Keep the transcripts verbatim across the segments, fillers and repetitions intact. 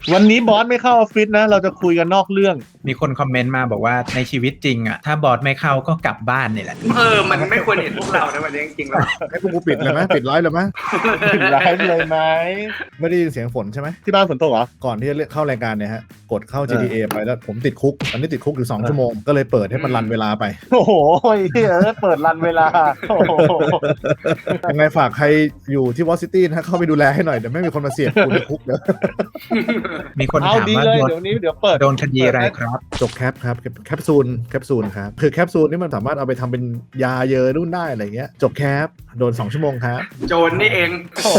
วันนี้บอสไม่เข้าออฟฟิศนะเราจะคุยกันนอกเรื่องมีคนคอมเมนต์มาบอกว่าในชีวิตจริงอ่ะถ้าบอสไม่เข้าก็กลับบ้านนี่แหละเออมันไม่ควรเห็นพวกเราในวันนี้จริงๆแล้วให้พวกกูปิดเลยไหมปิดไลฟ์เลยไหมปิดไลฟ์เลยไหมไม่ได้ยินเสียงฝนใช่ไหมที่บ้านฝนตกเหรอก่อนที่จะเข้ารายการเนี่ยฮะกดเข้า จี ที เอ ไปแล้วผมติดคุกตอนนี้ติดคุกอยู่สองชั่วโมงก็เลยเปิดให้มันรันเวลาไปโอ้โหเฮ้ยเปิดรันเวลาโอ้โหยังไงฝากใครอยู่ที่วอชิงตันนะเข้าไปดูแลให้หน่อยเดี๋ยวไม่มีคนมาเสียบกูในคุกเดี๋ยวมีคนถามว่าเดี๋ยวนี้เดี๋ยวเปิดโดนคดีอะไรครับจบแคปครับแคปซูลแคปซูลครับคือแคปซูลนี่มันสามารถเอาไปทำเป็นยาเยอะรุ่นได้อะไรเงี้ยจบแคปโดนสองชั่วโมงครับโจรนี่เอง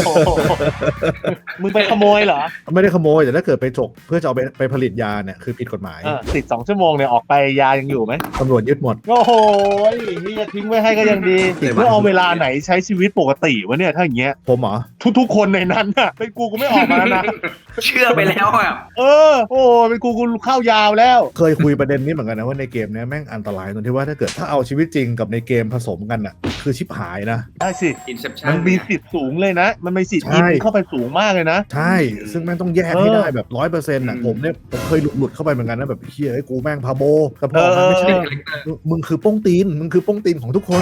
มึงไปขโมยเหรอไม่ได้ขโมยแต่ถ้าเกิดไปจกเพื่อจะเอาไปไปผลิตยาเนี่ยคือผิดกฎหมายติดสองชั่วโมงเนี่ยออกไปยายังอยู่ไหมตำรวจยึดหมดโอ้โหนี่จะทิ้งไว้ให้ก็ยังดีเพื่อเอาเวลาไหนใช้ชีวิตปกติวะเนี่ยถ้าอย่างเงี้ยผมเหรอทุกๆคนในนั้นน่ะเป็นกูกูไม่ออกมาแล้วนะเชื่อไปแล้วอ่ะเออโอ้เป็นกูกูเข้ายาวแล้วเคยคุยประเด็นนี้เหมือนกันนะว่าในเกมนี้แม่งอันตรายตรงที่ว่าถ้าเกิดถ้าเอาชีวิตจริงกับในเกมผสมกันน่ะคือชิบหายนะได้สิมันมีสิทธิ์สูงเลยนะมันมีสิทธิ์อินเข้าไปสูงมากเลยนะใช่ซึ่งแม่งต้องแยกให้ได้แบบร้อยเปอร์เซ็นต์อ่ะผมเนี่ยผมเคยหลุดหลุดเข้าไปเหมือนกันนะแบบเฮียไอ้กูแม่งพาโบแต่พอมันไม่ใช่มึงคือโป้งตีนมึงคือโป้งตีนของทุกคน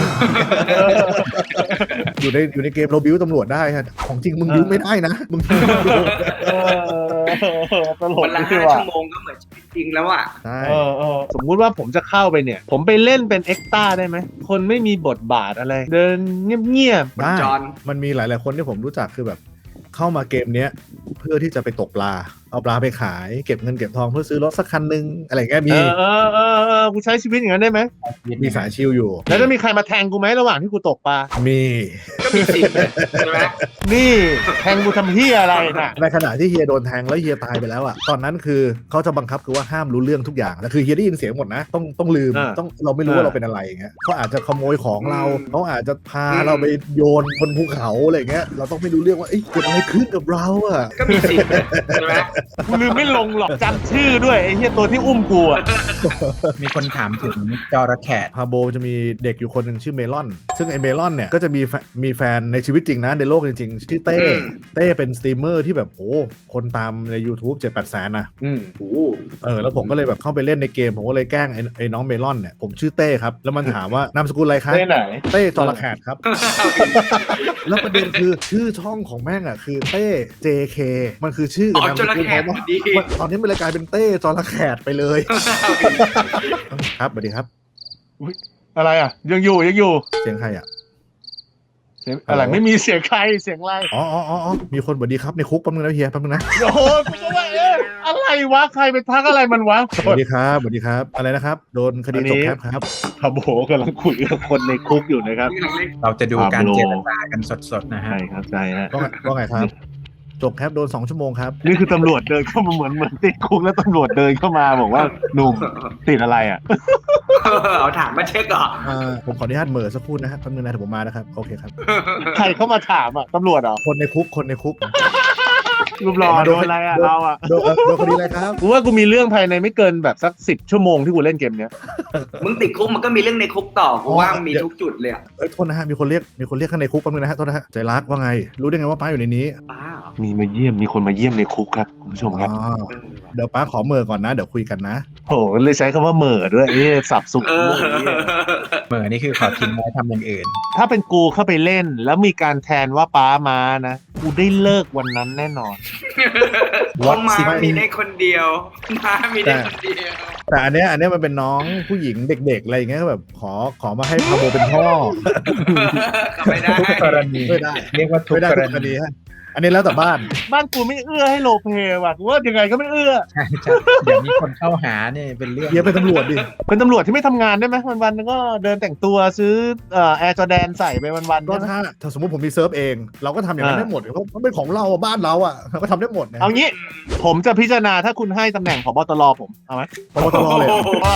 อยู่ในอยู่ในเกมเราบิ้วตำรวจได้ฮะของจริงมึงบิ้วไม่ได้นะมึงตลกวันละห้าชั่วโมงก็เหมือนชีวิตจริงแล้วอ่ะใช่สมมุติว่าผมจะเข้าไปเนี่ยผมไปเล่นเป็นเอ็กซ์ต้าได้ไหมคนไม่มีบทบาทอะไรเดินเงียบๆได้มันมีหลายๆคนที่ผมรู้จักคือแบบเข้ามาเกมเนี้ยเพื่อที่จะไปตกปลาเอาปลาไปขายเก็บเงินเก็บทองเพื่อซื้อรถสักคันนึงอะไรเงี้ยมีเออเออเออกูใช้ชีวิตอย่างนั้นได้ไหมมีสายชิลอยู่แล้วจะมีใครมาแทงกูไหมระหว่างที่กูตกปลามีก็มีสิใช่ไหมนี่แทงกูทำเหี้ยอะไรน่ะในขณะที่เฮียโดนแทงแล้วเฮียตายไปแล้วอ่ะตอนนั้นคือเขาจะบังคับคือว่าห้ามรู้เรื่องทุกอย่างแล้วคือเฮียได้ยินเสียงหมดนะต้องต้องลืมต้องเราไม่รู้ว่าเราเป็นอะไรอย่างเงี้ยเขาอาจจะขโมยของเราเขาอาจจะพาเราไปโยนบนภูเขาอะไรเงี้ยเราต้องไม่รู้เรื่องว่าเอ๊ะเกิดอะไรขึ้นกับเราอ่ะก็มีสิใช่ไหมกูลืมไม่ลงหรอกจำชื่อด้วยไอ้เหี้ยตัวที่อุ้มกูอ่ะมีคนถามถึงจระเข้พาโบจะมีเด็กอยู่คนหนึ่งชื่อเมลอนซึ่งไอเมลอนเนี่ยก็จะมีมีแฟนในชีวิตจริงนะในโลกจริงๆชื่อเต้เต้เป็นสตรีมเมอร์ที่แบบโอ้คนตามใน YouTube เจ็ดแปดแสนนะอืมโอ้เออแล้วผมก็เลยแบบเข้าไปเล่นในเกมผมก็เลยแกล้งไอ้ไอ้น้องเมลอนเนี่ยผมชื่อเต้ครับแล้วมันถามว่านามสกุลอะไรครับเต้ไหนเต้จระเข้ครับแล้วประเด็นคือชื่อช่องของแม่งอ่ะคือเต้ เจ เค มันคือชื่ออ๋อจระเข้ตอนนี้มันเลยกลายเป็นเต้จระเข้ไปเลยครับสวัสดีครับอะไรอ่ะยังอยู่ยังอยู่เสียงใครอ่ะเสียงอะไรไม่มีเสียงใครเสียงอะไรอ๋ออ๋ออ๋อมีคนสวัสดีครับในคุกแป๊บนึงนะเฮียแป๊บนึงนะโอ้โหกูก็ว่าเอ๊ะอะไรวะใครไปทักอะไรมันวะสวัสดีครับสวัสดีครับอะไรนะครับโดนคดีตกแคปครับพาโบกำลังคุยกับคนในคุกอยู่นะครับเราจะดูการเจรจากันสดๆนะฮะใช่ครับใช่ฮะว่าไงครับจบแคปโดนสองชั่วโมงครับนี่คือตำรวจเดินเข้ามาเหมือนเหมือนติดคุกแล้วตำรวจเดินเข้ามาบอกว่าหนุ่มติดอะไรอ่ะเอาถามมาเช็คก่อนผมขออนุญาตเหม่อสักพูดนะครับแป๊บนึงนะเดี๋ยวผมมานะครับโอเคครับใครเข้ามาถามอ่ะตำรวจเหรอคนในคุกคนในคุกรูปหล่อโดนอะไรอ่ะเราอ่ะโดนโดนคดีอะไรครับกูว่ากูมีเรื่องภายในไม่เกินแบบสักสิบชั่วโมงที่กูเล่นเกมเนี้ยมึงติดคุกมันก็มีเรื่องในคุกต่อกูว่ามีทุกจุดเลยเอ้ยโทษนะฮะมีคนเรียกมีคนเรียกข้างในคุกแป๊บนึงนะฮะโทษนะฮะใจรักว่าไงรู้ได้ไงว่าป้าอยู่ในนี้ป้ามีมาเยี่ยมมีคนมาเยี่ยมในคุกครับคุณผู้ชมครับเดี๋ยวป้าขอเหม่อก่อนนะเดี๋ยวคุยกันนะโหเลยใช้คำว่าเหม่อด้วยเอ๊ะสับสุกเหม่อนี่คือขอทิ้งไว้ทำอย่างอื่นถ้าเป็นกูเข้าไปเล่นแล้วมีการแทนว่าป้ามานะกูได้เลิกวันนั้นแน่นอนว่ามามีได้คนเดียวมามีได้คนเดียวแต่อันเนี้ยอันเนี้ยมันเป็นน้องผู้หญิงเด็กๆอะไรอย่างเงี้ยแบบขอขอมาให้พาโบเป็นพ่อไม่ได้ทุกกรณีไม่ได้เรียกว่าทุกกรณีอันนี้แล้วแต่บ้านบ้านกูไม่เอื้อให้โลเปว่ะกูว่ายังไงก็ไม่เอื้อใช่ใช่เดี๋ยวมีคนเข้าหาเนี่ยเป็นเรื่องเดี๋ยวเป็นตำรวจดิเป็นตำรวจที่ไม่ทำงานได้ไหมวันๆก็เดินแต่งตัวซื้อเอ่อแอร์จอแดนใส่ไปวันๆก็ถ้าถ้าสมมติผมมีเซิร์ฟเองเราก็ทำอย่างนั้นได้หมดเพราะมันเป็นของเราบ้านเราอ่ะเราก็ทำได้หมดนะเอางี้ผมจะพิจารณาถ้าคุณให้ตำแหน่งผบตรผมเอาไหมผบตรเลย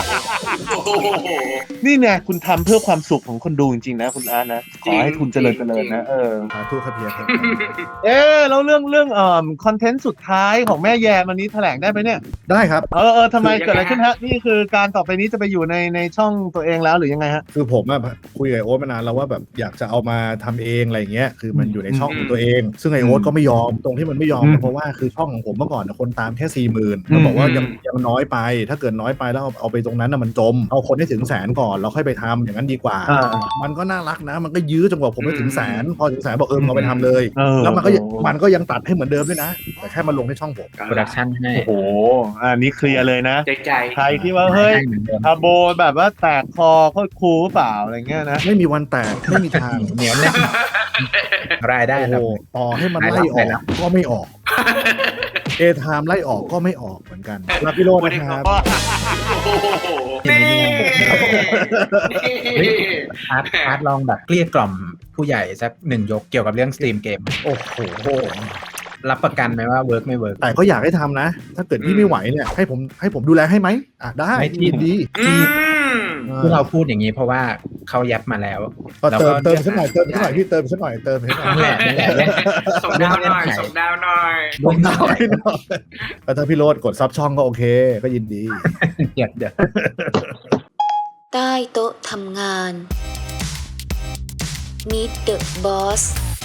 นี่ไงคุณทำเพื่อความสุขของคนดูจริงๆนะคุณอาร์ตนะขอให้คุณเจริญเจริญนะเออสาธุครับเพียรครับเอ๊ะอแล้วเรื่องเรื่องเอ่อคอนเทนต์สุดท้ายของแม่แยมอันนี้แถลงได้ไหมเนี่ยได้ครับเออเออทำไมเกิดอะไรขึ้นฮะนี่คือการต่อไปนี้จะไปอยู่ในในช่องตัวเองแล้วหรือยังไงฮะคือผมอะคุยกับไอโอ๊ตมานานแล้วว่าแบบอยากจะเอามาทำเองอะไรเงี้ยคือมันอยู่ในช่องของตัวเอง ซึ่งไอโอ๊ตก็ไม่ยอมตรงที่มันไม่ยอมอืมเพราะว่าคือช่องของผมเมื่อก่อนคนตามแค่สี่หมื่นมันบอกว่ายังยังน้อยไป ถ้าเกิดน้อยไปแล้วเอาเอาไปตรงนั้นน่ะมันจมเอาคนให้ถึงแสนก่อนแล้วค่อยไปทำอย่างนั้นดีกว่าอ่ามันก็น่ารักนะ มันก็ยื้อจนกว่าผมไปถึงแสนพอถึงแสนบอกเออมึงเอาไปทำเลยเออแล้วมันก็ยังมันก็ยังตัดให้เหมือนเดิมด้วยนะ แต่แค่มาลงในช่องผมโปรดักชั่นให้โอ้โหอันนี้เคลียร์เลยนะใจใจใครที่ว่าเฮ้ยให้เหมือนเดิมอาโบแบบว่าแตกคอโคตรคูลหรือเปล่าอะไรเงี้ยนะไม่มีวันแตกไม่มีทางเหนียวแน่นรายได้โอ้คโหรับต่อให้มันไล่ออกก็ไม่ออกเอไทม์ไล่ออกก็ไม่ออกเหมือนกันลาพี่โรจน์วันนะนี้คเขารับก็โอ้โหนี่เฮ้ย อาร์ตอาร์ตลองแบบเกลี้ยกล่อมผู้ใหญ่สักหนึ่งยกเกี่ยวกับเรื่องสตรีมเกมโอ้โหรับประกันไหมว่าเวิร์กไม่เวิร์กแต่ก็อยากให้ทำนะ ถ้าเกิดพี่ไม่ไหวเนี่ยให้ผมให้ผมดูแลให้ไหมอ่ะได้ไม่ที่ยินดีอืมที่เราพูดอย่างนี้เพราะว่าเขายัดมาแล้วก็เติมแล้วก็เติมสักหน่อยเติมสักหน่อยพี่เติมสักหน่อยเติมสักหน่อยนั่นแหละนั่นแหละเรื่องส่งดาวหน่อยส่งดาวหน่อยลงน้อยหน่อยแล้วถ้าพี่โรดกดซับช่องก็โอเค ก็ยินดีเดี๋ยวเดี๋ยวใต้โต๊ะทำงาน Meet the Boss